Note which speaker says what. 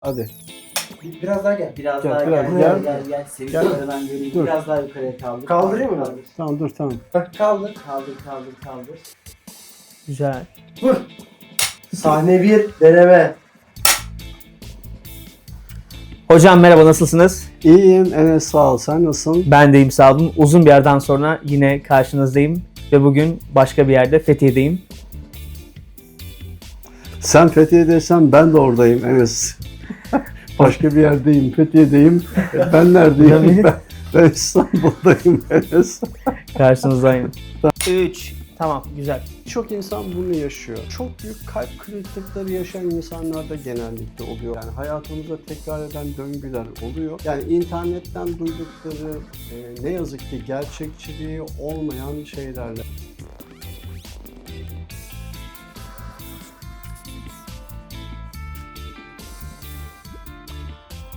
Speaker 1: Hadi.
Speaker 2: Biraz daha gel.
Speaker 3: Biraz
Speaker 1: Gel,
Speaker 3: daha
Speaker 1: biraz
Speaker 3: gel.
Speaker 1: gel.
Speaker 3: Gel. Seni
Speaker 1: Gel.
Speaker 3: yukarı ben göreyim.
Speaker 1: Dur.
Speaker 3: Biraz daha yukarıya kaldır.
Speaker 2: Kaldırayım mı?
Speaker 3: Kaldır.
Speaker 1: Tamam dur tamam.
Speaker 2: Bak kaldır.
Speaker 3: Kaldır. Güzel.
Speaker 2: Vur. Sahne 1 deneme.
Speaker 3: Hocam merhaba, nasılsınız?
Speaker 1: İyiyim Enes, sağ ol. Sen nasılsın?
Speaker 3: Ben deyim, sağ olun. Uzun bir yerden sonra yine karşınızdayım. Ve bugün başka bir yerde, Fethiye'deyim.
Speaker 1: Sen Fethiye'deysen ben de oradayım Enes. Başka bir yerdeyim, Fethiye'deyim. Ben neredeyim? Ben İstanbul'dayım Enes.
Speaker 3: Karşınızdayım. 3. Tamam, güzel.
Speaker 1: Çok insan bunu yaşıyor. Çok büyük kalp kırıklıkları yaşayan insanlar da genellikle oluyor. Yani hayatımızda tekrar eden döngüler oluyor. Yani internetten duydukları ne yazık ki gerçekçiliği olmayan şeylerle